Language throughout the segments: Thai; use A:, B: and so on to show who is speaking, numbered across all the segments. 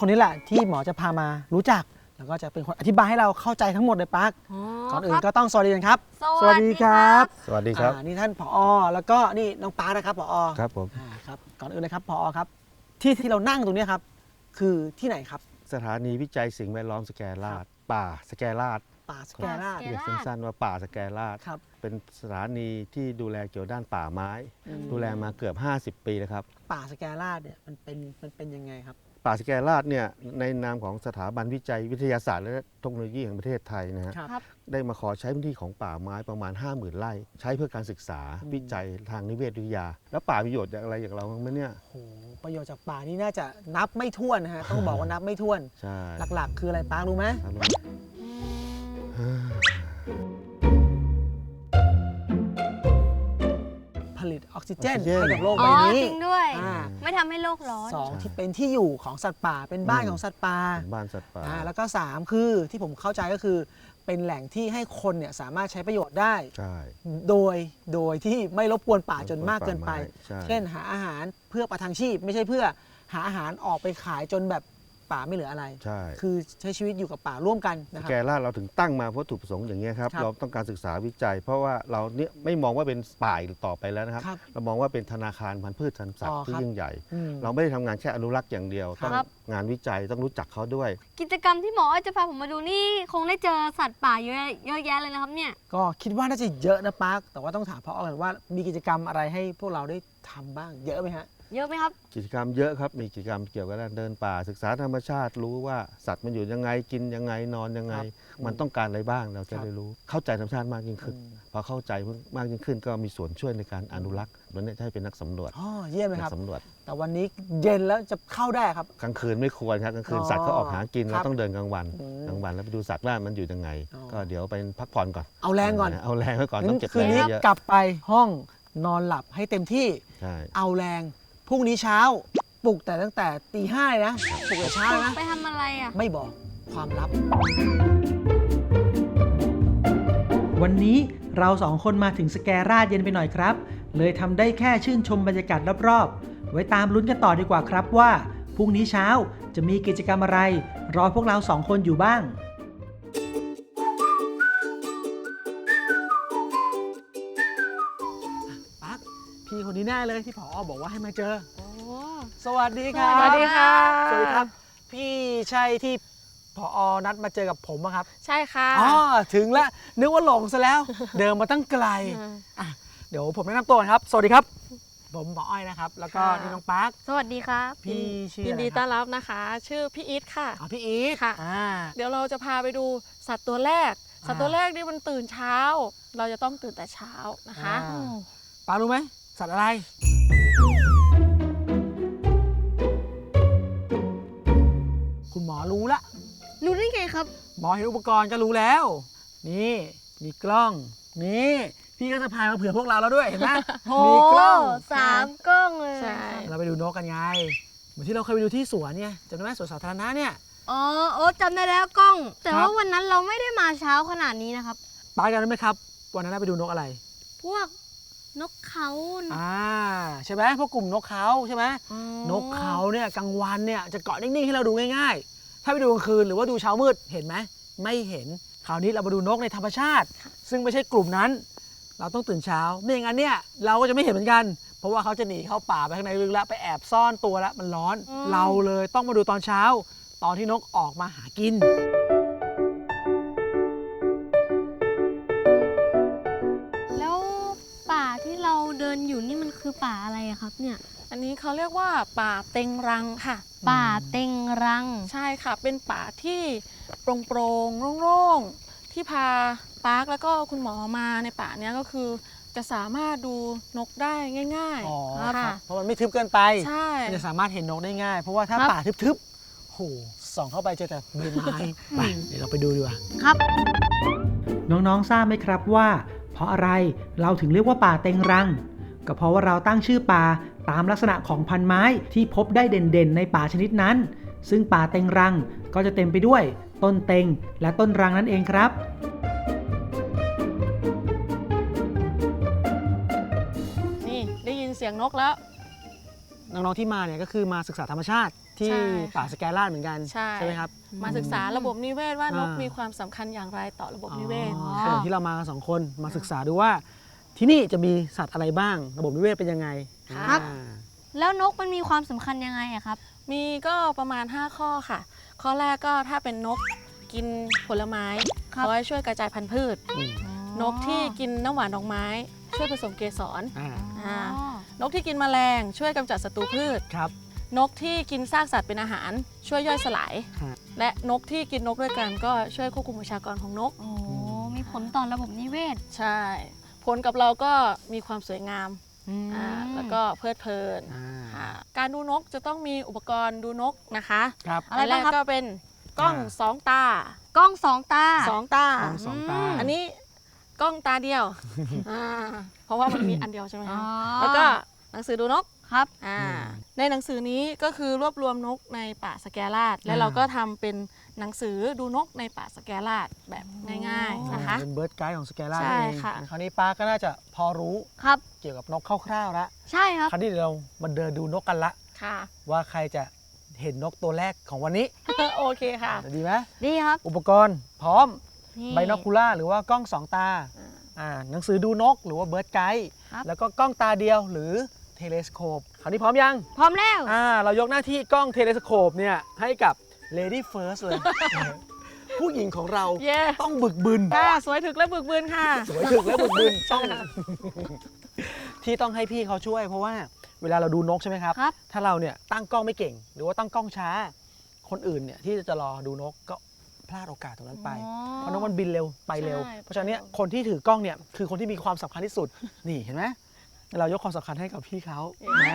A: คนนี้แหละที่หมอจะพามารู้จักแล้วก็จะเป็นคนอธิบายให้เราเข้าใจทั้งหมดเลยปาร์คก่อนอื่นก็ต้องสวัสดีกันครับ
B: สวัสดีครับ
C: สวัสดีครับ
A: นี่ท่านผอ.แล้วก็นี่น้องปาร์คนะครับผอ.
C: ครับผม
A: ครับก่อนอื่นเลยครับผอ.ครับที่เรานั่งตรงนี้ครับคือที่ไหนครับ
C: สถานีวิจัยสิ่งแวดล้อมสแกลาดป่าสแกลาด
A: ป่าสแกลาด
C: เรียกสั้นๆว่าป่าสแกลาด
A: ครับ
C: เป็นสถานีที่ดูแลเกี่ยวด้านป่าไม้ดูแลมาเกือบ50 ปีแล้วครับ
A: ป่าสแกลาดเนี่ยมันเป็นยังไงครับ
C: ป่าสแกลาดเนี่ยในนามของสถาบันวิจัยวิทยาศาสตร์และเทคโนโลยีแห่งประเทศไทยนะฮะได้มาขอใช้พื้นที่ของป่าไม้ประมาณ 50,000 ไร่ใช้เพื่อการศึกษาวิจัยทางนิเวศวิทยาแล้วป่ามีประโยชน์อะไรอย่างเราบ้างไหมเนี่ย
A: โอ้ประโยชน์จากป่านี่น่าจะนับไม่ถ้วนนะฮะต้องบอกว่านับไม่ถ้วน
C: ใช่
A: หลักๆคืออะไรปาร์ครู้ไหมผลิตออกซิเจนให้กับโลกใบนี้
B: จริงด้วยไม่ทำให้โลกร้อน
A: 2ที่เป็นที่อยู่ของสัตว์ป่าเป็นบ้านของสัตว์ป่า
C: บ้านสัตว์ป่า
A: แล้วก็3คือที่ผมเข้าใจก็คือเป็นแหล่งที่ให้คนเนี่ยสามารถใช้ประโยชน์ได้โดยที่ไม่รบกวนป่าจนมากเกินไปเช่นหาอาหารเพื่อประทังชีพไม่ใช่เพื่อหาอาหารออกไปขายจนแบบป่าไม่เหลืออะไรคือใช้ชีวิตอยู่กับป่าร่วมกันนะครับ
C: แกลาดเราถึงตั้งมาเพราะถูกประสงค์อย่างนี้ครับเราต้องการศึกษาวิจัยเพราะว่าเราเนี่ยไม่มองว่าเป็นป่าอีกต่อไปแล้วนะครับเรามองว่าเป็นธนาคารพันธุ์พืชพันธุ์สัตว์ที่ยิ่งใหญ่เราไม่ได้ทำงานแค่อนุรักษ์อย่างเดียวต้องงานวิจัยต้องรู้จักเขาด้วย
B: กิจกรรมที่หมอจะพาผมมาดูนี่คงได้เจอสัตว์ป่าเยอะแยะเลยนะครับเนี่ย
A: ก็คิดว่าน่าจะเยอะนะปาร์คแต่ว่าต้องถามพ่อกันว่ามีกิจกรรมอะไรให้พวกเราได้ทำบ้างเยอะไหมฮะ
B: เยอะไหมครับ
C: กิจกรรมเยอะครับมีกิจกรรมเกี่ยวกับการเดินป่าศึกษาธรรมชาติรู้ว่าสัตว์มันอยู่ยังไงกินยังไงนอนยังไงมันต้องการอะไรบ้างเราจะได้รู้เข้าใจธรรมชาติมากยิ่งขึ้นพอเข้าใจมากยิ่งขึ้นก็มีส่วนช่วยในการอนุรักษ์วันนี้จะให้เป็นนักสำรวจ
A: เยี่ยมเลยครับ
C: สำรวจ
A: แต่วันนี้เย็นแล้วจะเข้าได้ครับ
C: กลางคืนไม่ควรครับกลางคืนสัตว์เขาออกหากินเราต้องเดินกลางวันแล้วไปดูสัตว์ว่ามันอยู่ยังไงก็เดี๋ยวไปพักผ่อนก่อน
A: เอาแรงก่อน
C: เอาแรงไว้ก่อนต้องเก็บ
A: แรงเยอะกลับไปห้องนอนหลับให้เต็มที่เอาแรงพรุ่งนี้เช้าปลุกแต่ตั้งแต่ตี 5เลยนะปลุกแต่เช้านะ
B: ไปทำอะไรอ่ะ
A: ไม่บอกความลับ
D: วันนี้เรา2 คนมาถึงสแกราดเย็นไปหน่อยครับเลยทำได้แค่ชื่นชมบรรยากาศรอบๆไว้ตามลุ้นกันต่อดีกว่าครับว่าพรุ่งนี้เช้าจะมีกิจกรรมอะไรรอพวกเรา2 คนอยู่บ้าง
A: ปั๊กพี่คนนี้แน่เลยที่ผอ.บอกว่าให้มาเจอสวัสดีครับ
B: สวัสดีค่ะ
A: สวัสดีครับพี่ใช่ที่ผอ.นัดมาเจอกับผมครับ
B: ใช่ค่ะ
A: ถึงแล้วนึกว่าหลงซะแล้วเดินมาตั้งไกลเดี๋ยวผมแนะนำตัวครับสวัสดีครับผมหมออ้อยนะครับแล้วก็นี่น้องปาร์ค
B: สวัสดีครับ
A: พี่ชื่อ
E: ยินดีต้อนรับนะคะชื่อพี่อีทค่ะ
A: พี่อีท
E: ค่ะเดี๋ยวเราจะพาไปดูสัตว์ตัวแรกสัตว์ตัวแรกนี่มันตื่นเช้าเราจะต้องตื่นแต่เช้านะคะ
A: ปาร์ครู้ไหมสัตว์อะไรคุณหมอรู้ละ
B: รู้ได้ไงครับ
A: หมอเห็นอุปกรณ์ก็รู้แล้วนี่มีกล้องนี่พี่ก็จะพามาเผื่อพวกเราแล้วด้วยเห็นไหมมีกล้อง
B: 3 กล้องเลย
A: เราไปดูนกกันไงเหมือนที่เราเคยไปดูที่สวนเนี่ยจำได้ไหมสวนสาธารณะเนี่ย
B: จำได้แล้วกล้องแต่ว่าวันนั้นเราไม่ได้มาเช้าขนาดนี้นะครับ
A: ไปกันได้ไหมครับวันนั้นเราไปดูนกอะไร
B: พวกนกเขา
A: ใช่ไหมพวกกลุ่มนกเขาใช่ไหมนกเขาเนี่ยกลางวันเนี่ยจะเกาะนิ่งๆให้เราดูง่ายๆถ้าไปดูกลางคืนหรือว่าดูเช้ามืดเห็นไหมไม่เห็นคราวนี้เรามาดูนกในธรรมชาติซึ่งไม่ใช่กลุ่มนั้นเราต้องตื่นเช้าไม่อย่างนั้นเนี่ยเราก็จะไม่เห็นเหมือนกันเพราะว่าเขาจะหนีเข้าป่าไปข้างในลึกแล้วไปแอบซ่อนตัวแล้วมันร้อนเราเลยต้องมาดูตอนเช้าตอนที่นกออกมาหากิน
B: แล้วป่าที่เราเดินอยู่นี่มันคือป่าอะไรครับเนี่ย
E: อันนี้เขาเรียกว่าป่าเต็งรังค่ะ
B: ป่าเต็งรัง
E: ใช่ค่ะเป็นป่าที่โปร่งๆโล่งๆที่พาปาร์คแล้วก็คุณหมอมาในป่านี้ก็คือจะสามารถดูนกได้ง่าย
A: ๆค่ะเพราะมันไม่ทึบเกินไป
E: ใช่
A: จะสามารถเห็นนกได้ง่ายเพราะว่าถ้าป่าทึบๆโหส่องเข้าไปเจอแต่ใบไม้ไปเดี๋ยวเราไปดูดีกว่า
B: ครับ
D: น้องๆทราบไหมครับว่าเพราะอะไรเราถึงเรียกว่าป่าเต็งรังก็เพราะว่าเราตั้งชื่อป่าตามลักษณะของพันไม้ที่พบได้เด่นๆในป่าชนิดนั้นซึ่งป่าเต็งรังก็จะเต็มไปด้วยต้นเต็งและต้นรังนั่นเองครับ
E: นี่ได้ยินเสียงนกแล้ว
A: น้องๆที่มาเนี่ยก็คือมาศึกษาธรรมชาติที่
E: ใช่
A: ป่าสแกลาดเหมือนกัน
E: ใช่
A: ไหมครับ
E: มาศึกษาระบบนิเวศว่านก
A: อ่ามี
E: มีความสำคัญอย่างไรต่อระบบนิเวศ
A: อ๋อ
E: ค่ะ
A: ที่เรามากัน2 คนมาศึกษาดูว่า ที่นี่จะมีสัตว์อะไรบ้าง ระบบนิเวศเป็นยังไง
B: ครับ
A: อ่า
B: แล้วนกมันมีความสำคัญยังไงอะครับ
E: มีก็ประมาณ 5 ข้อค่ะ ข้อแรกก็ถ้าเป็นนกกินผลไม้
B: ครับ
E: เขาให้ช่วยกระจายพันธุ์พืช
A: อืม
E: นกที่กินน้ำหวานดอกไม้ ช่วยผสมเกสร
A: อ่า
E: อ่นกที่กินแมลงช่วยกำจัดศัตรูพืช
A: ครับ
E: นกที่กินซากสัตว์เป็นอาหาร ช่วยย่อยสลาย
A: ฮะ
E: และนกที่กินนกด้วยกันก็ช่วยควบคุมประชากรของนก
B: โอ้มีผลต่อระบบนิเวศ
E: ใช่ ผลกับเราก็มีความสวยงามแล้วก็เพลิดเพลิน
A: อ่า
E: ค่ะการดูนกจะต้องมีอุปกรณ์ดูนกนะคะ
A: ครับ
B: อะไร
E: นแร
B: บ้าง
E: ก
B: ครับ
E: ก็เป็นกล้อง
A: อ่า
E: สองตาก
B: ล้องสองตา
E: สองตา
A: กล้องสองตา
E: อันนี้กล้องตาเดียวเพราะว่ามันมีอันเดียวใช่ไหม
B: อ๋อ
E: คะแล้วก็หนังสือดูนก
B: ครับ
E: ในหนังสือนี้ก็คือรวบรวมนกในป่าสแกลาดและเราก็ทำเป็นหนังสือดูนกในป่าสแกลาดแบบง่ายๆนะคะ
A: เป็นเบิร์ดไกด์ของสแกลา
E: ใช่
A: เอง
E: ค่ะ
A: คราวนี้ป้าก็น่าจะพอรู้
B: ครับ
A: เกี่ยวกับนกคร่าวๆแล้ว
B: ใช่ครับ
A: คราวนี้เดี๋ยวเรามาเดินดูนกกันละ
E: ค่ะ
A: ว่าใครจะเห็นนกตัวแรกของวันนี้
E: โอเคค่ะ
A: ดีไหม
B: ดีครับ
A: อุปกรณ์พร้อม
B: นี่
A: ไบโนคูล่าหรือว่ากล้องสองตา หนังสือดูนกหรือว่าเบิร์ดไกด์
B: ครับ
A: แล้วก็กล้องตาเดียวหรือเทเลสโคปคราวนี้พร้อมยัง
B: พร้อมแล้ว
A: เรายกหน้าที่กล้องเทเลสโคปเนี่ยให้กับ Lady First เลย ผู้หญิงของเรา
E: เย้
A: ต้องบึกบึน
E: ค่ะสวยถึกและบึกบึนค่ะ
A: สวยถึกและบึกบึนต้อง ที่ต้องให้พี่เขาช่วย เพราะว่าเวลาเราดูนกใช่ไหมครับ
B: ครับ
A: ถ้าเราเนี่ยตั้งกล้องไม่เก่ง หรือว่าตั้งกล้องช้า คนอื่นเนี่ยที่จะรอดูนกก็พลาดโอกาสตรงนั้นไป เพราะนกมันบินเร็วไปเร็ว
E: ใช่
A: เพราะฉะนั้นเนี่ยคนที่ถือกล้องเนี่ยคือคนที่มีความสำคัญที่สุด นี่เห็นไหมเรายกความสำคัญให้กับพี่เขานะ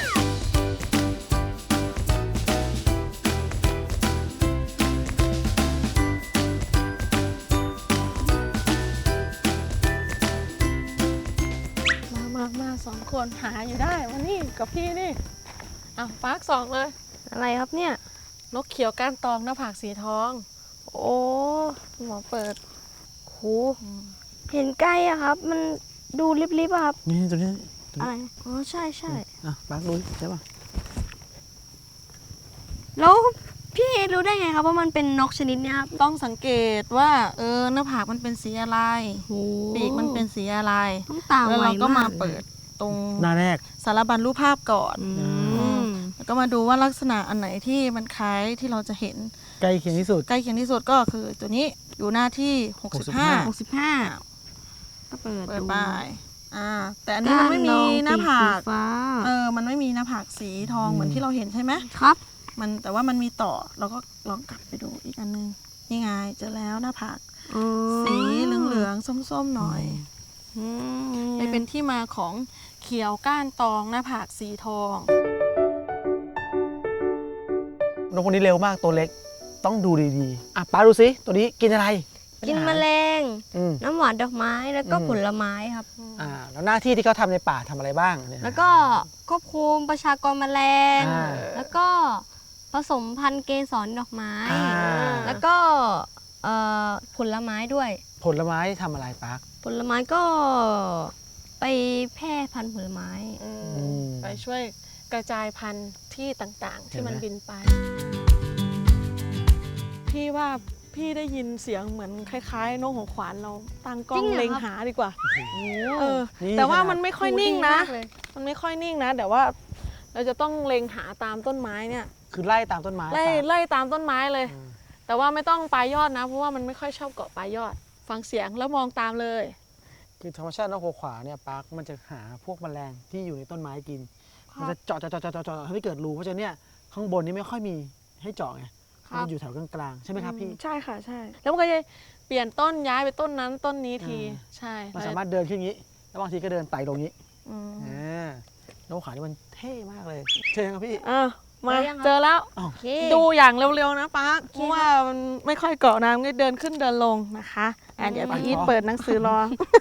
E: มาสองคนหาอยู่ได้วันนี้กับพี่นี่ปาร์คสองเลย
B: อะไรครับเนี่ย
E: นกเขียวก้านตองหน้าผากสีทอง
B: โอ้หมอเปิดโหเห็นใกล้อะครับ มันดูลิบๆอะครับ
A: นี่ตัวนี้
B: อะไร อ๋อ ใช่ใช่
A: ปักดูใช่ป่ะ
B: แล้วพี่รู้ได้ไงครับว่ามันเป็นนกชนิดเนี้ยครับ
E: ต้องสังเกตว่าหน้าผากมันเป็นสีอะไร
B: โห
E: ปีกมันเป็นสีอะไร
B: ต้องตา
E: แล้ว
B: ไว
E: เราก็
B: มาม
E: าก เปิดตรง
A: หน้าแรก
E: สารบัญรูปภาพก่อน
B: อืม
E: แล้วก็มาดูว่าลักษณะอันไหนที่มันคล้ายที่เราจะเห็น
A: ใกล้เคียงที่สุด
E: ใกล้เคียงที่สุดก็คือตัวนี้อยู่หน้าที่ 65
B: 65ก็เปิด
E: เปิด
B: ดู
E: ไปแต่อันนี้มันไม่มีหน้าผาก
B: สีฟ้า
E: มันไม่มีหน้าผากสีทองเหมือนที่เราเห็นใช่ไหม
B: ครับ
E: แต่ว่ามันมีต่อเราก็ลองกลับไปดูอีกอันนึงนี่ไงเจอแล้วหน้าผาก
B: อ๋อ
E: สีเหลืองๆส้มๆหน่อย
B: อืม
E: เลยเป็นที่มาของเขียวก้านตองหน้าผากสีทอง
A: นกคนนี้เร็วมากตัวเล็กต้องดูดีๆป้าดูสิตัวนี้กินอะไร
B: กินแมลง
A: อืม
B: น้ำหวานดอกไม้แล้วก็
A: อืม
B: ผลไม้ครับ
A: แล้วหน้าที่ที่เขาทำในป่าทำอะไรบ้างเนี่ย
B: แล้วก็ควบคุมประชากรแมลง
A: อ่า
B: แล้วก็ผสมพันธุ์เกสรดอกไม้ แล้วก็ผลไม้ด้วย
A: ผลไม้ทำอะไรปัก
B: ผลไม้ก็ไปแพร่พันธุ์ผลไม้
A: ม
E: ไปช่วยกระจายพันธุ์ที่ต่างๆ ที่มัน
A: เห็นไหม
E: บินไป พี่ว่าพี่ได้ยินเสียงเหมือนคล้ายๆนกหัวขวานเราตั้งกล้
B: จริ
E: อง
B: งเหรอ
E: เล็ง
B: ครับ
E: หาดีกว่า
A: นี่
E: แต่ว่า
A: ขนาด
E: มันไม่ค่อยนิ่งนะ
B: ดีมากเลย
E: มันไม่ค่อยนิ่งนะแต่ว่าเราจะต้องเล็งหาตามต้นไม้เนี่ย
A: คือไล่ตามต้นไม้
E: ไล่ตามต้นไม้เลย
A: อืม
E: แต่ว่าไม่ต้องปลายยอดนะ เพราะว่ามันไม่ค่อยชอบเกาะปลายยอด ฟังเสียงแล้วมองตามเลย
A: คือธรรมชาตินกหัวขวาเนี่ยปักมันจะหาพวกแมลงที่อยู่ในต้นไม้กิน มันจะเจาะให้เกิดรูเพราะฉะนั้นเนี่ยข้างบนนี่ไม่ค่อยมีให้เจาะไง
E: ครับ
A: มันอยู่แถวกลางๆใช่ไหมครับพี่
E: ใช่ค่ะใช่ แล้วมันก็จะเปลี่ยนต้นย้ายไปต้นนั้นต้นนี้ที
A: อ่า
E: ใช่
A: มันสามารถเดินขึ้นอย่างนี้ แล้วบางทีก็เดินไต่ลงนี้
E: อืม
A: นกหัวขวานี่มันเท่มากเลยเท่ครับพี่
E: มา
B: เจอยังครับ
E: เจอแล้ว
B: โอเค
E: ดูอย่างเร็วๆนะป้าเพราะว่ามันไม่ค่อยเกาะน้ำก็เดินขึ้นเดินลงนะคะเดี๋ยวพี่อีทเปิดหนังสือรอ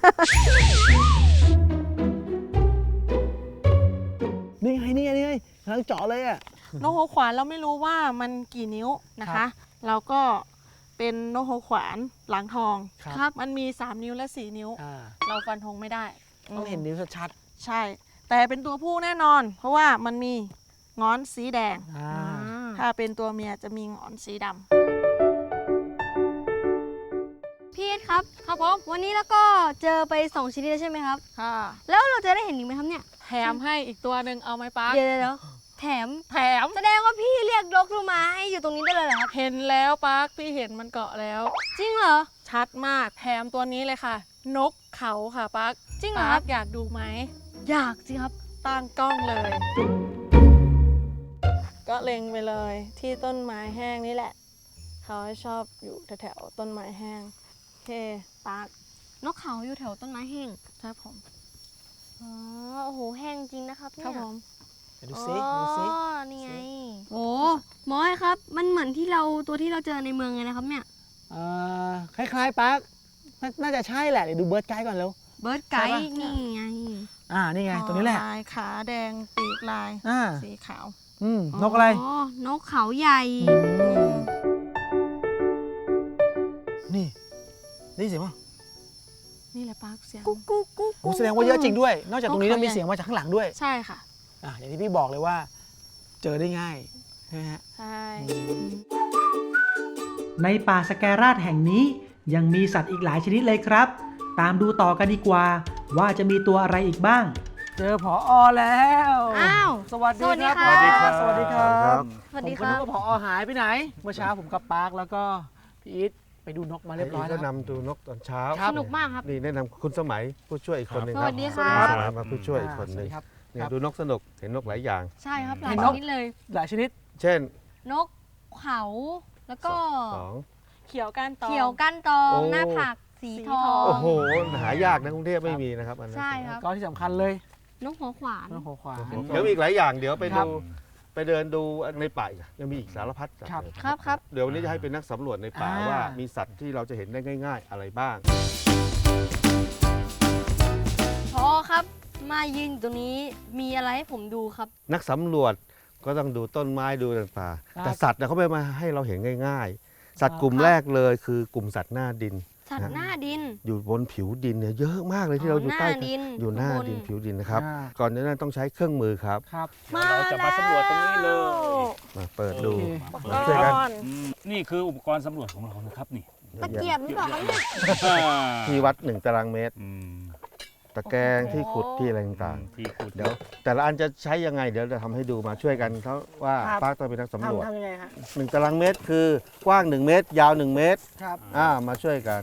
A: นี่ไงกำลังเจาะเลยอ่ะ
E: นกหัวขวานเราไม่รู้ว่ามันกี่นิ้วนะ
A: ครั
E: คะ
A: บ
E: เราก็เป็นนกหัวขวานหลังทอง
A: ครับ
E: มันมี 3 นิ้วและ 4 นิ้ว เราฟันธงไม่ได้
A: ต้องเห็นนิ้วชัด
E: ใช่ แต่เป็นตัวผู้แน่นอน เพราะว่ามันมีงอนสีแดง
A: อ่า
E: ถ้าเป็นตัวเมียจะมีงอนสีดำ
B: พี่เอสครับ
E: ครับผม
B: วันนี้แล้วก็เจอไป2ชนิดแล้วใช่ไหมครับ
E: ค่ะ
B: แล้วเราจะได้เห็นอีกไหมครับเนี่ย
E: แถมให้อีกตัวหนึ่งเอาไหมป้า
B: เดี๋ยวแถม
E: แถม
B: แสดงว่าพี่เรียกนกลงมาให้อยู่ตรงนี้ได้เลยเหรอครับ
E: เห็นแล้วป้าพี่เห็นมันเกาะแล้ว
B: จริงเหรอ
E: ชัดมากแถมตัวนี้เลยค่ะ นกเขาค่ะป้า
B: จริงเหรอ
E: ป้า
B: ครับ
E: อยากดูไหม
B: อยากสิครับ
E: ตั้งกล้องเลย ก็เล็งไปเลยที่ต้นไม้แห้งนี่แหละ เขาชอบอยู่แถวๆต้นไม้แห้งโอเคปาร์คน
B: กเขาอยู่แถวต้นไม้แห้ง
E: ครับผม
B: อ๋อโอ้โหแห้งจริงนะครับ
E: ค
B: เนี่ย
E: รับผม
A: เดี๋ยวดูซิดูซิ
B: อ๋อนี่ไงโอ้หมอไอ้ครับ มันเหมือนที่เราตัวที่เราเจอในเมืองเลยนะครับเนี่ย
A: คล้ายๆปักน่าจะใช่แหละเดี๋ยวดูเบิร์ดไกด์ก่อนเร็ว
B: เบิร์ดไก
A: ใช่
B: ด์
A: ปะ
B: นี่ไง
A: นี่ไงตัวนี้แหละ
E: ลายขาแดงปีกลาย
A: อ่า
E: สีขาว
A: นกอะไร
B: อ๋อนกเขาใหญ่
A: นี่ได้ยินเสียงป่ะ
E: นี่แหละปาร์คเสียง
B: กุ๊กกุ๊กกุ๊ก
A: โอ้แสดงว่าเยอะจริงด้วย นอกจากตรงนี้
E: นก
A: แล้ว
E: เขา
A: มี
E: ใหญ่
A: เสียงมาจากข้างหลังด้วย
E: ใช่ค่ะ
A: อย่างที่พี่บอกเลยว่า เจอได้ง่ายใช่ไหมฮะ
E: ใช่
D: ในป่าสแกราดแห่งนี้ยังมีสัตว์อีกหลายชนิดเลยครับ ตามดูต่อกันดีกว่า ว่าจะมีตัวอะไรอีกบ้าง
A: เจอผอแล้ว
B: อ้าว
A: สวัสดีครับ
B: สวัสดีครับ
A: สวัสดีครับ
B: สวัสดี
A: ผม
B: ค
A: ก็
B: รั
A: นึก
B: บ
A: ว่าผอหายไปไหน เมื่อเช้าผมกับปาร์คแล้วก็พี่อีทไปดูนกมาเรียบร้อย
C: ก็
A: แล้ว
C: นำดูนกตอนเช้า
A: ครับ
B: สนุกมากครับ
C: นี่แนะนำคุณสมัยผู้ช่วยอีกคนหนึ่ง
B: ส
C: ครั
B: วั
C: บ
B: สดีครับ
C: มาผู้ช่วยอีกคนหนึ่ง
A: สวัสดีครับ
C: เนี่ยดูนกสนุกเห็นนกหลายอย่าง
B: ใช่ครับหลา
A: เห็
B: ย
A: น
B: ช
A: นก
B: นิดเลย
A: หลายชนิด
C: เช่น
B: นกเขา แล้วก็
C: สอง
E: เขียวก้านตอง
B: เขียวก้านตอง
C: โอ้
B: หน้าผักสีทอ
E: สีทอง
B: ง
C: โอ้โหหายากนะกรุงเทพไม่มีนะครับอันนั้น
B: ใช่ครับ
A: ก็ที่สำคัญเลย
B: นกหัวขวาน
A: นกหัวขวาน
C: เดี๋ยวมีอีกหลายอย่างเดี๋ยวไป
A: ครั
C: ดู
A: บ
C: ไปเดินดูในป่าอีกยังมีอีกสารพัดสัตว์
A: ครับ
C: เลย
B: ครับครับ
C: เดี๋ยววันนี้จะให้เป็นนักสำรวจในป่า
A: อ่า
C: ว่ามีสัตว์ที่เราจะเห็นได้ง่าย ๆ อะไรบ้าง
B: พอครับ มายืนอยู่ตรงนี้มีอะไรให้ผมดูครับ
C: นักสำรวจก็ต้องดูต้นไม้ดูต่างๆแต่สัตว์เนี่ยเขาไม่มาให้เราเห็นง่าย ๆ สัตว์กลุ่มแรกเลยคือกลุ่มสัตว์หน้าดิน
B: สัตว์หน้าดิน
C: อยู่บนผิวดินเนี่ยเยอะมากเลยที่เราอยู่ใต้
B: หน้าดิน
C: อยู่หน้า
B: ข้างบน
C: ดินผิวดินนะครับ
A: อ่า
C: ก่อนหน้านั้นต้องใช้เครื่องมือครับ
A: ครับ
F: เราจะมาสำรวจตรงนี้เลย
C: มาเปิดดู
A: โอเค
C: มาช่วยกัน
E: ก้อน
F: นี่คืออุปกรณ์สำรวจของเรานะครับนี่
B: ตะเกียบหรือเปล่าครับเนี่ย
C: ที่วัด1 ตารางเมตร
F: อืม
C: ตะแกรงที่ขุดที่อะไรต่าง
F: ที่ขุด
C: ๆเดี๋ยวแต่ละอันจะใช้ยังไงเดี๋ยวจะทำให้ดูมาช่วยกันเขาว่า
A: ครับ
C: ปาร์คต้องเป็นนักสำรวจ
A: ทำยังไงฮะ
C: 1 ตารางเมตรคือกว้าง 1 เมตร ยาว 1 เมตร
A: ครับ
C: มาช่วยกัน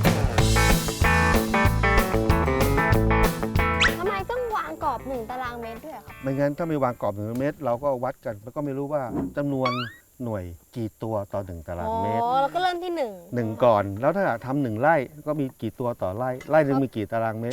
B: ทำไมต้องวางกรอบ1 ตารางเมตรด้วยอะครับ
C: ไม่งั้นถ้าไม่วางกรอบ1 เมตร เราก็วัดกันแล้วก็ไม่รู้ว่าจำนวนหน่วยกี่ตัวต่อ1 ตารางเมตร
B: อ๋อแล้วก็เริ่มที่1
C: 1 ก่อน แล้วถ้าทำ1 ไร่ก็มีกี่ตัวต่อไร่ไร่หนึ่งมีกี่ตารางเมตร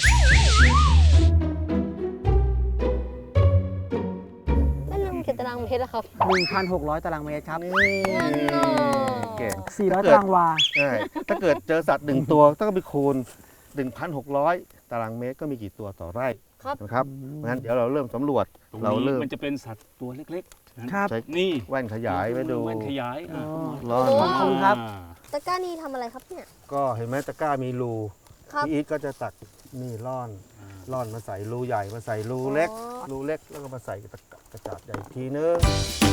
B: แล้วนึงกี่ตารางเมตรอะครับ
A: 1,600 ตารางเมตรครับ
C: เก่ง
A: 400 ตารางวา
C: ใช่ถ้าเกิดเจอสัตว์ 1 ตัวต้องไปคูณ 1,600 ตารางเมตรก็มีกี่ตัวต่อไร่
B: ครับ
C: นะครับงั้นเดี๋ยวเราเริ่มสำรวจ
F: ตรง
C: เรา
F: นี้
C: เริ่ม
F: มันจะเป็นสัตว์ตัวเล็กๆนะครับ นี่
C: แว่นขยายไว้ดู
F: แว่นขยาย
C: ร้อน
B: โอ้
A: ขอบคุณครับ
B: ตะกร้านี่ทำอะไรครับเนี่ย
C: ก็เห็นไหมตะกร้ามีรู
B: ครับ
C: พี่อีทก็จะตักนี่ร่อนมาใส่รูใหญ่มาใส่รูเล็ก
B: อ๋อ
C: รูเล็กแล้วก็มาใส่กระจาดใหญ่อีกทีนึง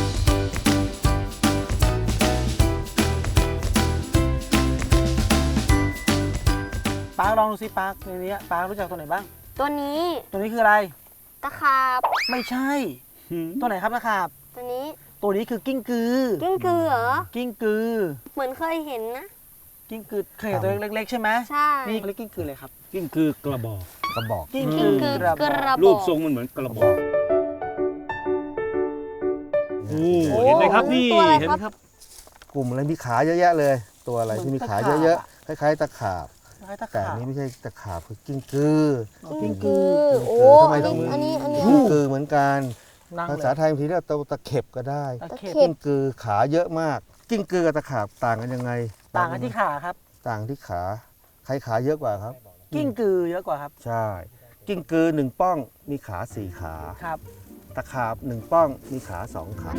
A: ปาร์คลองดูสิปาร์คในนี้ปาร์ครู้จักตัวไหนบ้าง
B: ตัวนี้
A: ตัวนี้คืออะไร
B: ตะขาบ
A: ไม่ใช่ ตัวไหนครับนะครับ
B: ตัวนี้
A: ตัวนี้คือกิ้งกือ
B: กิ้งกือเหรอ
A: กิ้งกือ
B: เหมือนเคยเห็นนะ
A: กิ้งกือเคยเห็นตัวเล็กๆใช่ไหม
B: ใช่
A: นี่เขาเรียกกิ้งกือเลยครับ
F: กิ้งคือกระบอก
C: กระบอก
A: กิ้ง
B: กิ้งกือกระบอก
F: รูปทรงมันเหมือนกระบอกโอ้เห็นไหมครับนี่
B: ตัวอะไร
F: เห็น
B: ค
F: ไห
B: รั
F: ม
B: บ
F: ครับ
C: กลุ่มอะไรมีขาเยอะแยะเลย ตัวอะไรที่มีขาเยอะๆคล้ายๆตะขาบ
A: คล้ายๆตะ
C: แต่
A: ขา
C: อั
A: บ
C: นนี้ไม่ใช่ตะขาบคือกิ้งกือ
B: กิ้งกือ โอ้
C: ทำไม
B: อัน
C: ต้อง
B: นี้อันนี้อันนี้
C: กิ้งกือเหมือนกัน
A: นั่ง
C: ภา
A: เล
C: ษาย ไทยบางทีเรียกตัวตะเข็บก็ได้
A: ตะเข็บ
C: กิ้งกือขาเยอะมาก กิ้งกือกับตะขาบต่างกันยังไง
A: ต่างกันที่ขาครับ
C: ต่างที่ขา ใครขาเยอะกว่าครับ
A: กิ้งกือเยอะกว่าครับ
C: ใช่ กิ้งกือ1 ป้องมีขา 4 ขา
A: ครับ
C: ตะขาบ1 ป้องมีขา 2 ขา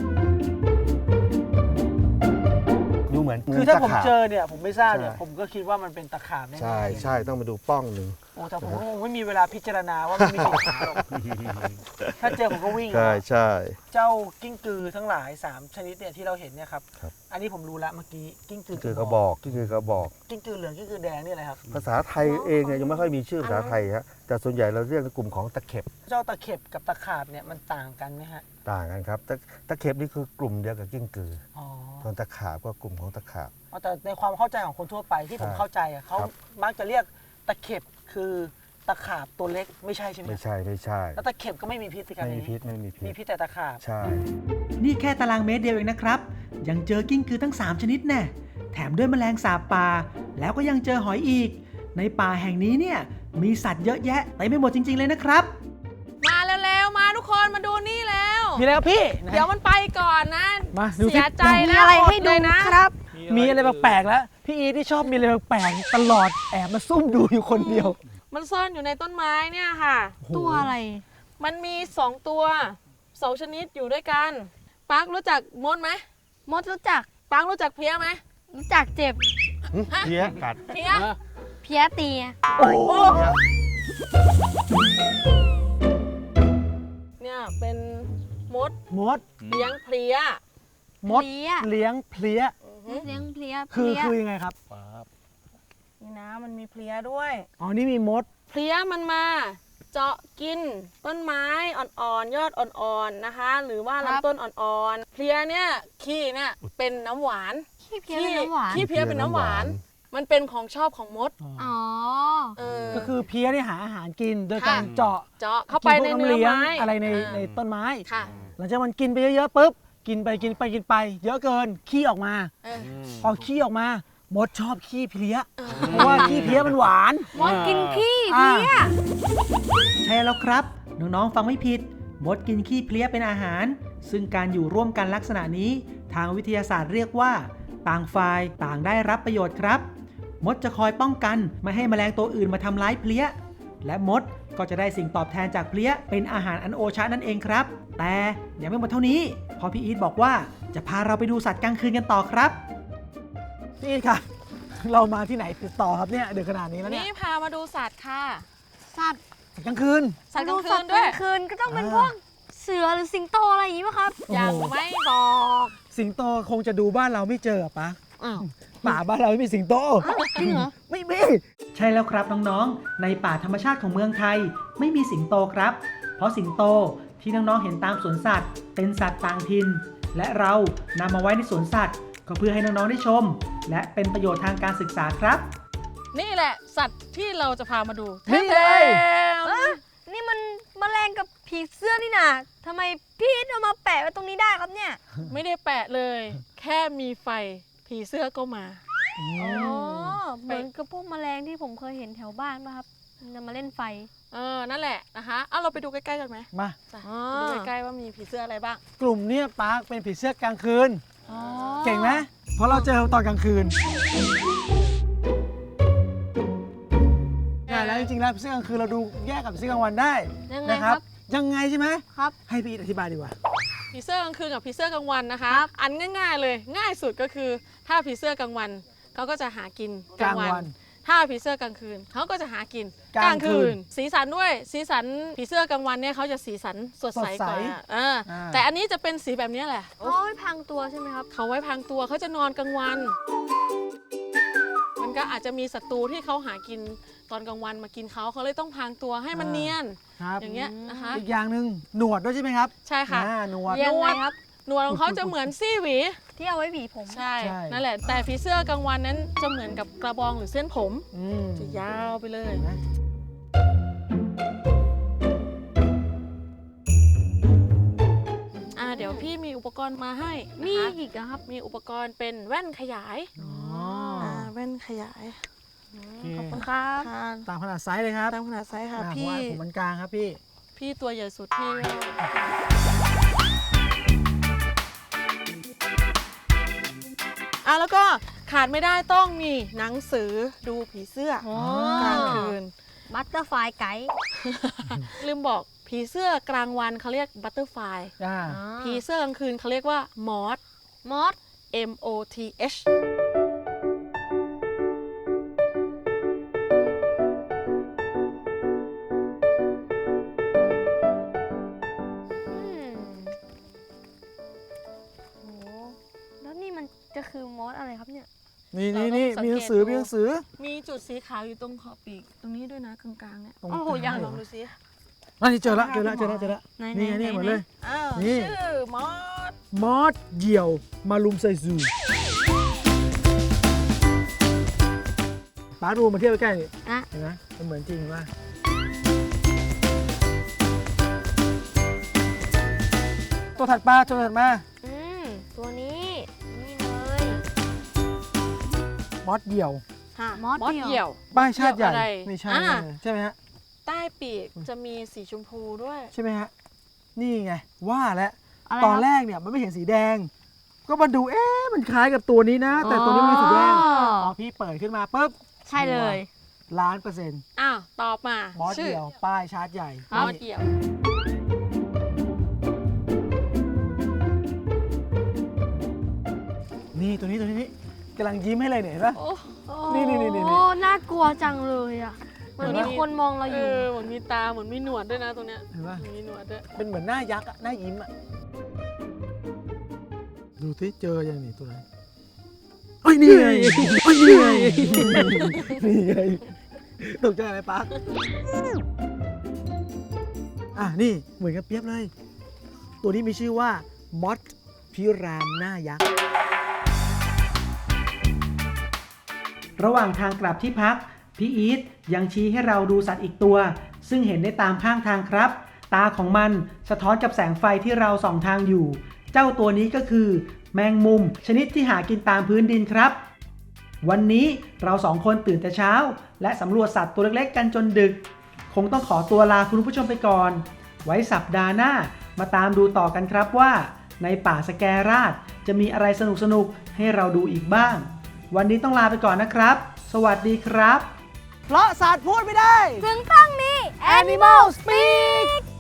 C: ดูเหมือน
A: คือถ้า
C: ตะ
A: ผม
C: ขาบ
A: เจอเนี่ยผมไม่ทราบเนี่ย
C: ใช่
A: ผมก็คิดว่ามันเป็นตะขาบแน่ๆ
C: ใช่ใช่ต้องมาดูป้องหนึ่ง
A: โอ้แต่ผมก็คงไม่มีเวลาพิจารณาว่ามันมีกี่ขาหรอกถ้าเจอผมก็วิ่ง
C: ใช่ใช่
A: เจ้ากิ้งกือทั้งหลาย3ชนิดเนี่ยที่เราเห็นเนี่ยครับ
C: ครับ
A: อันนี้ผมรู้ละเมื่อกี้กิ้งกือ
C: คือกระบอกที่คือกระบอก
A: กิ้งกือเหลืองกิ้งกือแดงนี่อะไรครับ
C: ภาษาไทยเองเนี่ยยังไม่ค่อยมีชื่อภาษาไทยฮะแต่ส่วนใหญ่เราเรียกในกลุ่มของตะเข็บ
A: เจ้าตะเข็บกับตะขาบเนี่ยมันต่างกันไหมฮะ
C: ต่างกันครับตะเข็บนี่คือกลุ่มเดียวกับกิ้งกือ
A: อ๋อ
C: ส่วนตะขาบก็กลุ่มของตะขาบ
A: แต่ในความเข้าใจของคนทั่วไปที่ผม
C: ใช่
A: เข้าใจอะเขา
C: ครับ
A: มักจะเรียกตะเข็บคือตะขาบตัวเล็กไม่ใช่ใช่ไหม
C: ไม่ใช่
A: แล้วตะเข็บก็ไม่มีพิษสิครับ
C: ไม่มี
A: ในนี้
C: พิษไม่มีพิ
A: มี
C: ษ
A: พิษแต่ตะขาบ
C: ใช่
D: นี่แค่ตารางเมตรเดียวเองนะครับ ยังเจอกิ้งกือทั้ง 3 ชนิดแน่แถมด้วยแมลงสาบป่า แล้วก็ยังเจอหอยอีก ในป่าแห่งนี้เนี่ยมีสัตว์เยอะแยะเต็มไปหมดจริง ๆ เลยนะครับ
E: มาแล้วๆมาทุกคนมาดูนี่แล้ว
A: มีอะไรครับพี่ไหน
E: เดี๋ยวมันไปก่อนนะ
A: มาดูสิ
E: เสียใจ
B: มี
E: นะ
B: อะไร
E: อ
B: ให้ดู
E: เลยนะ
B: ครับ
A: มีอะไรแปลกๆแล้วพี่อีทที่ชอบมีอะไรแปลกๆตลอดแอบมาซุ่มดูอยู่คนเดียว
E: มันซ่อนอยู่ในต้นไม้เนี่ยค่ะ
B: ตัวอะไร
E: มันมี2ตัว2ชนิดอยู่ด้วยกันปักรู้จักมดไหม
B: มดรู้จัก
E: ปักรู้จักเพี้ยไหม
B: รู้จักเจ็บ
C: เพี้ยกัด
E: เพี้ย
B: เพี้ยตี
A: โอ้โห
E: เนี่ยเป็นมด
A: มด
E: เลี้ยงเพลี้ย
A: มด
B: เพลี้ย
A: เลี้ยงเพลี้ย
B: เลี้ยงเพลี้ย
A: คือ
B: เพลี้ย
A: คือยังไงครับ
E: นี่นะมันมีเพลี้ยด้วย
A: อ๋อนี่มีมด
E: เพลี้ยมันมาเจาะกินต้นไม้อ่อนๆยอดอ่อนๆนะคะ หรือว่าลำต้นอ่อนๆเพลี้ยเนี่ยขี้เนี่ยเป็นน้ำหวาน
B: ขี้เพี้ยเป็นน้ำหวาน
E: ขี้เพลี้ยเป็นน้ำหวาน มันเป็นของชอบของมด
B: อ๋อ
E: เออ
A: ก็คือเพี้ยเนี่ยหาอาหารกินโดย
E: ค่ะ
A: การเจาะ
E: เจาะเข้าไปใน
A: กิพวก
E: เนื้อ
A: ลี้ยง
E: ไม้
A: อะไรใน
E: อ่า
A: ในต้นไม้
E: ค่ะ
A: หลังจากมันกินไปเยอะๆปุ๊บกินไปเยอะเกินขี้ออกมา
E: เออ
A: พอขี้ออกมามดชอบขี้เพลี้ยเพราะว่าขี้เพลี้ยมันหวาน
B: มดกินขี้เพลี้ย
D: ใช่แล้วครับ น้องๆฟังไม่ผิด มดกินขี้เพลี้ยเป็นอาหาร ซึ่งการอยู่ร่วมกันลักษณะนี้ ทางวิทยาศาสตร์เรียกว่า ต่างฝ่ายต่างได้รับประโยชน์ครับ มดจะคอยป้องกันไม่ให้แมลงตัวอื่นมาทำร้ายเพลี้ย และมดก็จะได้สิ่งตอบแทนจากเพลี้ยเป็นอาหารอันโอชะนั่นเองครับ แต่ยังไม่หมดเท่านี้เพอพี่อีทบอกว่าจะพาเราไปดูสัตว์กลางคืนกันต่อครับ
A: นี่ค่ะ เรามาที่ไหนติดต่อครับเนี่ยเดือดขนาดนี้แล้วเนี่ย
E: นี่พามาดูสัตว์ค่ะ
B: สัตว์
A: กลางคืน
E: สัตว์ก
B: ดู
E: ลางคื
B: สัต
E: น
B: ว์ก
E: ด้ว
B: ลาย งคืนก็ต้องเป็นพวกเสือหรือสิงโตอะไรอย่างนี้ป่ะครับ
A: โอ้โห
E: ยังไม่บอก
A: สิงโตคงจะดูบ้านเราไม่เจอปะ
B: อ้าว
A: ป่าบ้านเราไม่มีสิงโต
B: จริงเหรอ
A: ไม่มี
D: ใช่แล้วครับน้องๆ ในป่าธรรมชาติของเมืองไทยไม่มีสิงโตครับ เพราะสิงโตที่น้องๆ เห็นตามสวนสัตว์ เป็นสัตว์ต่างถิ่น และเรานำมาไว้ในสวนสัตว์ ก็เพื่อให้น้องๆ ได้ชม และเป็นประโยชน์ทางการศึกษาครับ
E: นี่แหละสัตว์ที่เราจะพามาดู
A: นี่เลย
E: แท้ๆ
B: นี่มันแมลงกับผีเสื้อนี่นะทำไมพี่เอามาแปะไว้ตรงนี้ได้ครับเนี่ย
E: ไม่ได้แปะเลย แค่มีไฟผีเสื้อก็มา
B: อ๋อ เหมือนกับพวกแมลงที่ผมเคยเห็นแถวบ้านป่ะครับมันมาเล่นไฟ
E: นั่นแหละนะคะเอาเราไปดูใกล้ๆกันไหม
A: มา
E: จ้ะ
B: อ๋อ
E: ไปดูใกล้ๆว่ามีผีเสื้ออะไรบ้าง
A: กลุ่มเนี้ยปาร์คเป็นผีเสื้อกลางคืน
B: อ๋อ
A: เก่งไหมเพราะเราเจอตอนกลางคืนใช่แล้วจริงๆแล้วผีเสื้อกลางคืนเราดูแยกกับผีเสื้อกลางวันได้
B: ยังไง
A: นะครับ ยังไงใช่ไหม
B: ครับ
A: ให้พี่อีทอธิบายดีกว่า
E: ผีเสื้อกลางคืนกับผีเสื้อกลางวันนะคะ
B: ครับ
E: อันง่ายๆเลย ง่ายสุดก็คือ ถ้าผีเสื้อกลางวันเขาก็จะหากินกลางวัน
A: กลางวัน
E: ถ้าผีเสื้อกลางคืนเขาก็จะหากิน
A: กลางคืน
E: สีสันด้วยสีสันผีเสื้อกลางวันเนี่ยเขาจะสีสันสดใสกว่า
A: สดใส
E: แต่อันนี้จะเป็นสีแบบนี้แหละ
B: เขาไม่พังตัวใช่ไหมครับ
E: เขาไว้พรางตัวเขาจะนอนกลางวัน มันก็อาจจะมีศัตรูที่เขาหากินตอนกลางวันมากินเขาเลยต้องพรางตัวให้มันเนียน
A: ครับ
E: อย่างเงี้ยนะคะ
A: อีกอย่างหนึ่งหนวดด้วยใช่ไหมครับ
E: ใช่ค่ะ
A: หนวด
B: ยังไงครับ
E: หนวดของเขาจะเหมือนซี่หวี
B: ที่เอาไว้หวีผม
E: ใช่
A: ใช่
E: นั่นแหละ แต่ผีเสื้อกลางวันนั้นจะเหมือนกับกระบองหรือเส้นผม
A: อืม
E: จะยาวไปเลย
A: เห็นไหม
E: เดี๋ยวพี่มีอุปกรณ์มาให้
B: มี
E: นะคะ
B: อีกเหรอครับ
E: มีอุปกรณ์เป็นแว่นขยาย
A: อ๋อ
E: แว่นขยาย
A: โอเค
B: ขอบคุณครับ
E: ค่ะ
A: ตามขนาดไซส์เลยครับ
E: ตามขนาดไซส์ค่ะ
A: อ่า
E: พี่
A: ผมมันกลางครับพี่
E: พี่ตัวใหญ่สุดพี่แล้วก็ขาดไม่ได้ต้องมีหนังสือดูผีเสื้อ
B: อ๋อ
E: กลางคืน
B: บัตเตอร์ไฟไกด์
E: ลืมบอกผีเสื้อกลางวันเขาเรียกบัตเตอร์ไฟ
A: อ่า
E: ผีเสื้อกลางคืนเขาเรียกว่ามอส
B: มอส
E: MOTH
A: นี่
E: เรา
A: นี่
E: ต้อง
A: มีหนังสือ
E: สังเกตดู
A: มีหนังสือ
E: มีจุดสีขาวอยู่ตรงขอบปีกตรงนี้ด้วยนะกลางๆเนี่ย
A: ตรง
E: โอ้โห
A: กลาง
E: ยัง
A: เหร
E: ล
A: อ
E: องดูสิ
A: อันนี้เจอละเจอละเจอละเจอละ
E: ไห
A: นี่ไงนี่หมดเลย
E: อ้าว
A: นี่
E: ชื่อมอส
A: มอสเหยี่ยวมาลุมไซซูป้าดูมาเทียบใกล้ๆนี่
B: อ่ะ
A: เห็นไหมมันเหมือนจริงว่าตัวถัดมาตัวถัดมา
B: ตัวนี้นี่เลย
A: มอสเหยี่ยว
E: ค่ะ
B: มอส
E: เหยี่ยว
A: ป้ายชาติใหญ่
E: เหยี่ยวอะไร
A: ไม่ใช่
E: อ่า
A: ใช่ไหมฮะ
E: ใต้ปีกจะมีสีชมพูด้วย
A: ใช่ไหมฮะนี่ไงว่าแล้ว
B: อะไร
A: ตอน
B: ครับ
A: แรกเนี่ยมันไม่เห็นสีแดง ก็มาดูมันคล้ายกับตัวนี้นะ แต่ตัวนี้ไม่มีสีแดง
B: อ๋อ
A: พอพี่เปิดขึ้นมาปุ๊บ
B: ใช่เลย
A: 1,000,000%
E: อ้าวตอบมาม
A: อส
E: ชื่
A: เดี่ยวป้ายชาร์จใหญ่
E: มอส
A: นี่
E: เหยี่ยว
A: นี่ตัวนี้กำลังยิ้มให้เลยเนี่ยเห็นปะ
E: โอ้
A: นี่
B: โอ้น่ากลัวจังเลยอ่ะมันมีคนมองเราอยู่
E: เหมือนมีตาเหมือนมีหนวดด้วยนะตรงเนี้ย
A: เห็นปะ
E: มีหนวดด้วย
A: เป็นเหมือนหน้ายักษ์อะหน้ายิ้มอะดูที่เจอยังนี่ตัวไหนเอ้ยนี่ไงเอ้ยนี่ไงนี่ไงตกใจอะไรปั๊กนี่เหมือนกับเปียบเลย ตัวนี้มีชื่อว่ามอสพิรามหน้ายักษ์
D: ระหว่างทางกลับที่พัก พี่อีทยังชี้ให้เราดูสัตว์อีกตัว ซึ่งเห็นได้ตามข้างทางครับ ตาของมันสะท้อนกับแสงไฟที่เราส่องทางอยู่ เจ้าตัวนี้ก็คือ แมงมุม ชนิดที่หากินตามพื้นดินครับ วันนี้เราสองคนตื่นแต่เช้า และสำรวจสัตว์ตัวเล็กๆกันจนดึก คงต้องขอตัวลาคุณผู้ชมไปก่อน ไว้สัปดาห์หน้ามาตามดูต่อกันครับว่า ในป่าสแกราชจะมีอะไรสนุกๆให้เราดูอีกบ้าง วันนี้ต้องลาไปก่อนนะครับ สวัสดีครับ
A: เพราะสัตว์พูดไม่ได้
B: ถึงต้องมี Animal Speak